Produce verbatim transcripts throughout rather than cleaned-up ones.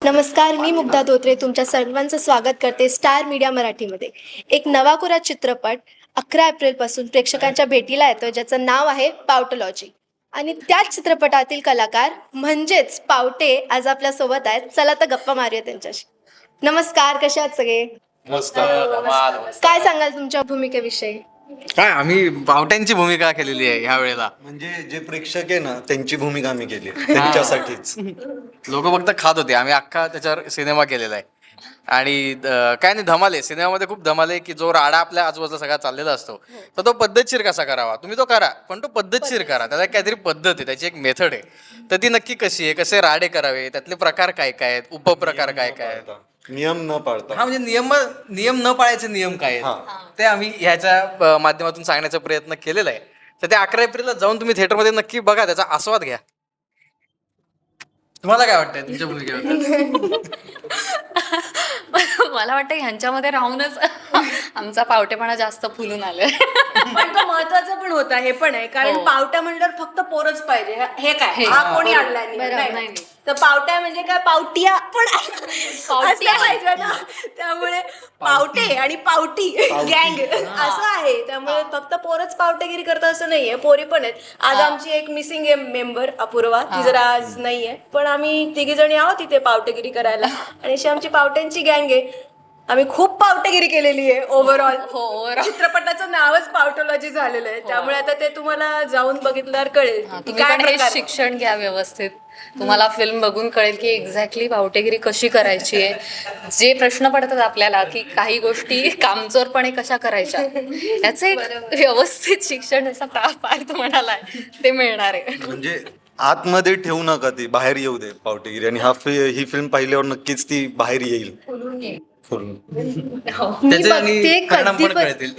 नमस्कार, मी मुग्धा धोत्रे तुमच्या सर्वांचं स्वागत करते स्टार मीडिया मराठीमध्ये. एक नवाकोरा चित्रपट अकरा एप्रिलपासून प्रेक्षकांच्या भेटीला येतो, ज्याचं नाव आहे पावटोलॉजी. आणि त्याच चित्रपटातील कलाकार म्हणजेच पावटे आज आपल्यासोबत आहेत. चला तर गप्पा मारूया त्यांच्याशी. नमस्कार, कसे आहात सगळे? काय सांगाल तुमच्या भूमिकेविषयी? काय आम्ही पावट्यांची भूमिका केलेली आहे ह्या वेळेला. म्हणजे जे प्रेक्षक आहे ना त्यांची भूमिका आम्ही केली त्यांच्यासाठीच. लोक फक्त खात होते, आम्ही अख्खा त्याच्यावर सिनेमा केलेला आहे. आणि काय नाही, धमाल आहे सिनेमामध्ये, खूप धमाल आहे की जो राडा आपल्या आजूबाजूला सगळा चाललेला असतो तर तो पद्धतशीर कसा करावा. तुम्ही तो करा, पण तो पद्धतशीर करा. त्याला काहीतरी पद्धत आहे, त्याची एक मेथड आहे. तर ती नक्की कशी आहे, कसे राडे करावे, त्यातले प्रकार काय काय आहेत, उपप्रकार काय काय आहेत, नियम न पाळता. हा म्हणजे नियम नियम न पाळायचे नियम काय आहेत ते आम्ही ह्याच्या माध्यमातून सांगण्याचा प्रयत्न केलेला आहे. तर ते अकरा एप्रिलला जाऊन तुम्ही थिएटरमध्ये नक्की बघा, त्याचा आस्वाद घ्या. तुम्हाला काय वाटतंय तुमच्या भूमिकेबद्दल? मला वाटतं ह्यांच्यामध्ये राहूनच आमचा पावटेपणा जास्त फुलून आलोय. पण तो महत्वाचा पण होता, हे पण आहे कारण हो. पावट्या म्हणल्यावर फक्त पोरच पाहिजे. हे काय हा कोणी आणला बरोबर, नाही, नाही नाही. तर पावट्या म्हणजे काय, पावटिया पण असल्या पाहिजे ना. त्यामुळे पावटे आणि पावटी गँग असं आहे. त्यामुळे फक्त पोरच पावटेगिरी करतात असं नाहीये, पोरी पण आहेत. आज आमची एक मिसिंग आहे मेंबर, अपूर्वा, ती जरा आज नाहीये, पण आम्ही तिघी जणी आहोत तिथे पावटेगिरी करायला. आणि अशी आमची पावट्यांची गँग आहे. आम्ही खूप पावटेगिरी केलेली आहे ओव्हरऑल. हो, चित्रपटाचं नावच पावटोलॉजी झालेलं आहे. त्यामुळे आता ते तुम्हाला जाऊन बघितल्यावर कळेल की तुम्ही काय पण हे प्रकार. शिक्षण घ्या व्यवस्थित. तुम्हाला फिल्म बघून कळेल की एक्झॅक्टली पावटेगिरी कशी करायची आहे. जे प्रश्न पडतात आपल्याला की काही गोष्टी कामचोरपणे कशा करायच्या, याचं एक व्यवस्थित शिक्षण असा पार्थ म्हणालाय ते मिळणार आहे. म्हणजे आतमध्ये ठेवू नका, ती बाहेर येऊ दे पावटेगिरी. आणि हा फि- ही फिल्म पाहिल्यावर नक्कीच ती बाहेर येईल फुलून. त्याचे आणि बघते परिणाम कधी पण पण- कळतील.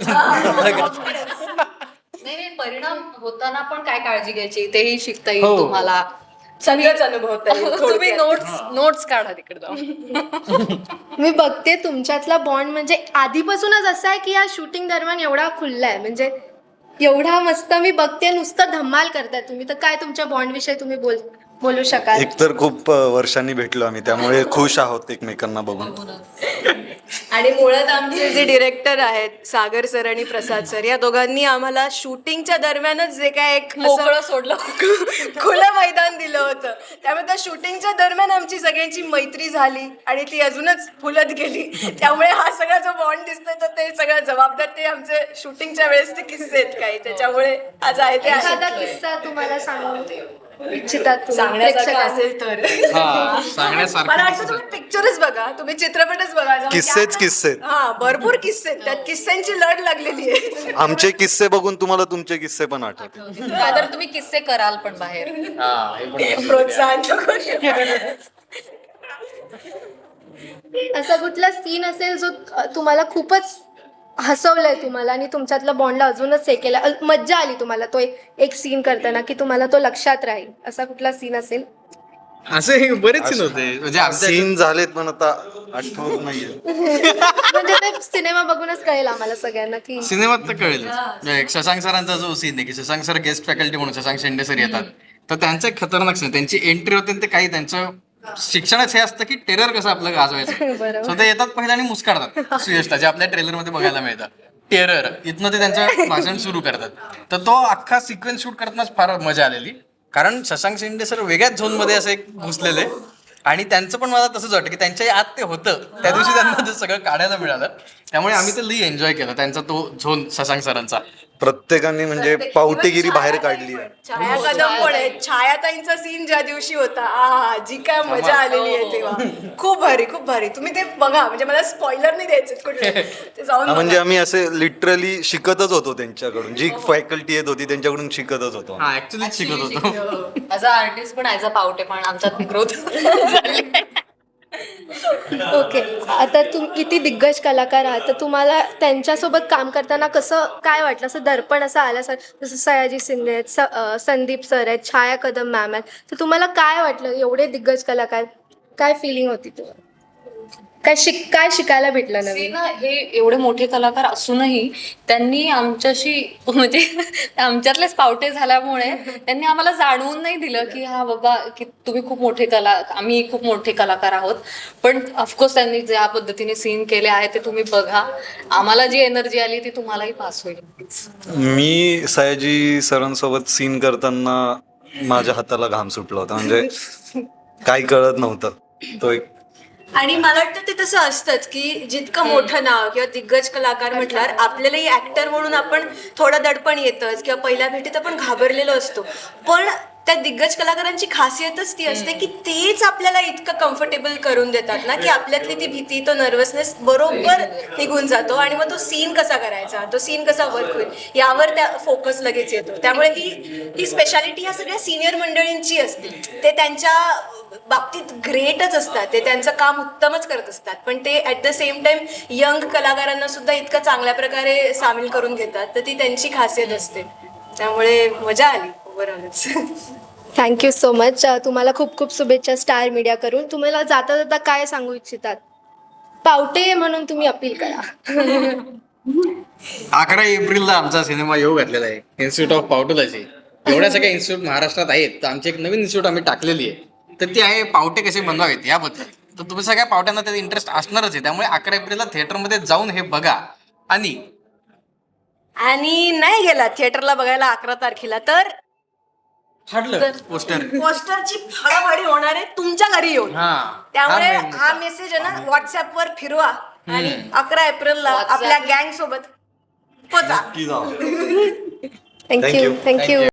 नाही नाही, परिणाम होताना पण काय काळजी घ्यायची तेही शिकता येईल हो. तुम्हाला. सगळंच अनुभवता येईल तुम्ही थोडक्यात. नोट्स नोट्स काढा तिकडे जाऊन. मी बघते तुमच्यातला बॉन्ड म्हणजे आधीपासूनच असा आहे की या शूटिंग दरम्यान एवढा खुलला आहे, म्हणजे एवढा मस्त. मी बघते नुसतं धमाल करताय तुम्ही. तर काय तुमच्या बॉन्ड विषयी तुम्ही बोल बोलू शकाल? एकतर खूप अ, वर्षांनी भेटलो आम्ही, त्यामुळे खुश आहोत एकमेकांना बघून. आणि मुळात आमचे जे डिरेक्टर आहेत सागर सर आणि प्रसाद सर, या दोघांनी आम्हाला शूटिंगच्या दरम्यानच जे काय एक असं मोकळं सोडलं. खुलं मैदान दिलं होतं. त्यामुळे त्या शूटिंगच्या दरम्यान आमची सगळ्यांची मैत्री झाली आणि ती अजूनच फुलत गेली. त्यामुळे हा सगळा जो बॉन्ड दिसतोय तर ते सगळं जबाबदार ते आमचे शूटिंगच्या वेळेस ते किस्से आहेत काही. त्याच्यामुळे आज आहे ते एखादा आहे. किस्सा तुम्हाला सांगू इच्छितात तुम्ही सांगण्यासारखं प्रेक्षकांना? असेल तर हा, सांगण्यासारखं मला वाटतं तुम्ही पिक्चरच बघा, तुम्ही चित्रपटच बघा. जाऊन किस्सेच त्या- किस्से आहेत. हा, भरपूर किस्से आहेत. त्यात किस्स्यांची लढ लागलेली आहे. आमचे किस्से बघून तुम्हाला तुमचे किस्से पण आठवतील. काय तर तुम्ही किस्से कराल पण बाहेर. हा, हे पण आहे. प्रोत्साहन नको. असा कुठला सीन असेल जो तुम्हाला खूपच हसवलंय तुम्हाला आणि तुमच्यातलं बॉन्डला अजूनच हे केलं, अ- मज्जा आली तुम्हाला तो एक एक सीन करताना की तुम्हाला तो लक्षात राहील, असा कुठला सीन असेल? असे बरेच सीन होते, म्हणजे आमच्या- सीन झालेत पण आता आठवत नाहीये. म्हणजे ते सिनेमा बघूनच कळेल आम्हाला सगळ्यांना की सिनेमात तर कळेल. म्हणजे शशांक सरांचा जो सीन आहे की शशांक सर गेस्ट फॅकल्टी म्हणून शशांक शेंडे सर येतात, तर त्यांचं एक खतरनाक सीन, त्यांची एंट्री होते आणि ते काही त्यांचं शिक्षणच हे असतं की टेरर कसं आपलं गाजवायचं. बरोबर. सो ते येतात पहिले आणि मुस्काडतात सुयशला, जे आपल्या ट्रेलर मध्ये बघायला मिळतं. टेरर इथनं ते त्यांचं भाषण सुरू करतात. तर तो अख्खा सिक्वेन्स शूट करतानाच फार मजा आलेली, कारण शशांक शेंडे सर वेगळ्याच झोन मध्ये असे एक घुसलेले. आणि त्यांचं पण मला तसंच वाटतं की त्यांच्या आत ते होतं, त्या दिवशी त्यांना ते सगळं काढायला मिळालं. त्यामुळे आम्ही ते लई एन्जॉय केलं, त्यांचा तो झोन शशांक सरांचा. प्रत्येकाने म्हणजे पावटेगिरी बाहेर काढली आहे. छाया कदम पण आहे. छायाताईंचा सीन ज्या दिवशी होता, आ जी काय मजा आलेली आहे तेव्हा. खूप भारी, खूप भारी. तुम्ही ते बघा, म्हणजे मला स्पॉइलर नाही द्यायचे कुठले, ते जाऊन हा, म्हणजे बघा. आम्ही असे लिटरली शिकतच होतो त्यांच्याकडून, जी फॅकल्टी येत होती त्यांच्याकडून शिकतच होतो. हा, ऍक्च्युली शिकत होतो. ॲज अ आर्टिस्ट पण ॲज अ पावटे पण आमच्यात ग्रोथ झाली. ओके. आता तुम किती दिग्गज कलाकार आहात, तर तुम्हाला त्यांच्यासोबत काम करताना कसं काय वाटलं? असं दर्पण असं आलं सर, जसं सयाजी शिंदे आहेत, स अं, संदीप सर आहेत, छाया कदम मॅम आहेत, तर तुम्हाला काय वाटलं? एवढे दिग्गज कलाकार, काय फिलिंग होती तुम्हाला? काय शिक काय शिकायला भेटलं ते नवीन? ना हे एवढे मोठे कलाकार असूनही त्यांनी आमच्याशी म्हणजे आमच्यातलेच पावटे झाल्यामुळे त्यांनी आम्हाला जाणवून नाही दिलं की हा बाबा की तुम्ही खूप मोठे कला आम्ही खूप मोठे कलाकार आहोत. पण ऑफकोर्स त्यांनी ज्या पद्धतीने सीन केले आहे ते तुम्ही बघा. आम्हाला जी एनर्जी आली ती तुम्हालाही पास होईल. मी सयाजी सरांसोबत सीन करताना माझ्या हाताला घाम सुटला होता, म्हणजे काही कळत नव्हतं. तो एक आणि मला वाटतं ते तसं असतंच की जितकं मोठं नाव किंवा दिग्गज कलाकार म्हटल्यावर आपल्यालाही ऍक्टर म्हणून आपण थोडं दडपण येतच किंवा पहिल्या भेटीत आपण घाबरलेलो असतो. पण त्या दिग्गज कलाकारांची खासियतच ती असते की तेच आपल्याला इतकं कम्फर्टेबल करून देतात ना की आपल्यातली ती भीती, तो नर्वसनेस बरोबर निघून जातो आणि मग तो सीन कसा करायचा, तो सीन कसा वर्क होईल यावर त्या फोकस लगेच येतो. त्यामुळे ही ही स्पेशालिटी ह्या सगळ्या सिनियर मंडळींची असते. ते त्यांच्या बाबतीत ग्रेटच असतात, ते त्यांचं काम उत्तमच करत असतात, पण ते at the same time young कलाकारांना सुद्धा इतकं चांगल्या प्रकारे सामील करून घेतात, तर ती त्यांची खासियत असते. त्यामुळे मजा आली ओव्हरऑलच. Thank you so much. तुम्हाला खूप खूप शुभेच्छा स्टार मीडिया करून. तुम्हाला जाता जाता काय सांगू इच्छितात? पावटे म्हणून तुम्ही अपील करा. अकरा एप्रिलला आमचा सिनेमा येऊ घातलेला आहे इन्स्टिट्यूट ऑफ पावटोलॉजी. एवढ्या सगळ्या इन्स्टिट्यूट महाराष्ट्रात आहेत, तर आमची एक नवीन इन्स्टिट्यूट आम्ही टाकलेली आहे, तर ती आहे पावटे कसे बनवावेत याबद्दल. तर तुम्ही सगळ्या पावट्यांना त्याचा इंटरेस्ट असणारच आहे, त्यामुळे अकरा एप्रिलला थिएटरमध्ये जाऊन हे बघा. आणि आणि नाही गेला थिएटरला बघायला अकरा तारखेला तर फाडलं पोस्टर. पोस्टरची फाडाफाडी होणार आहे तुमच्या घरी येऊन. हा त्यामुळे हा main हा मुद्दा. मेसेज आहे ना व्हॉट्सअपवर फिरवा आणि अकरा एप्रिलला WhatsApp. आपल्या गँग सोबत पोचा. नक्की जाऊ. Thank you Thank you. थँक्यू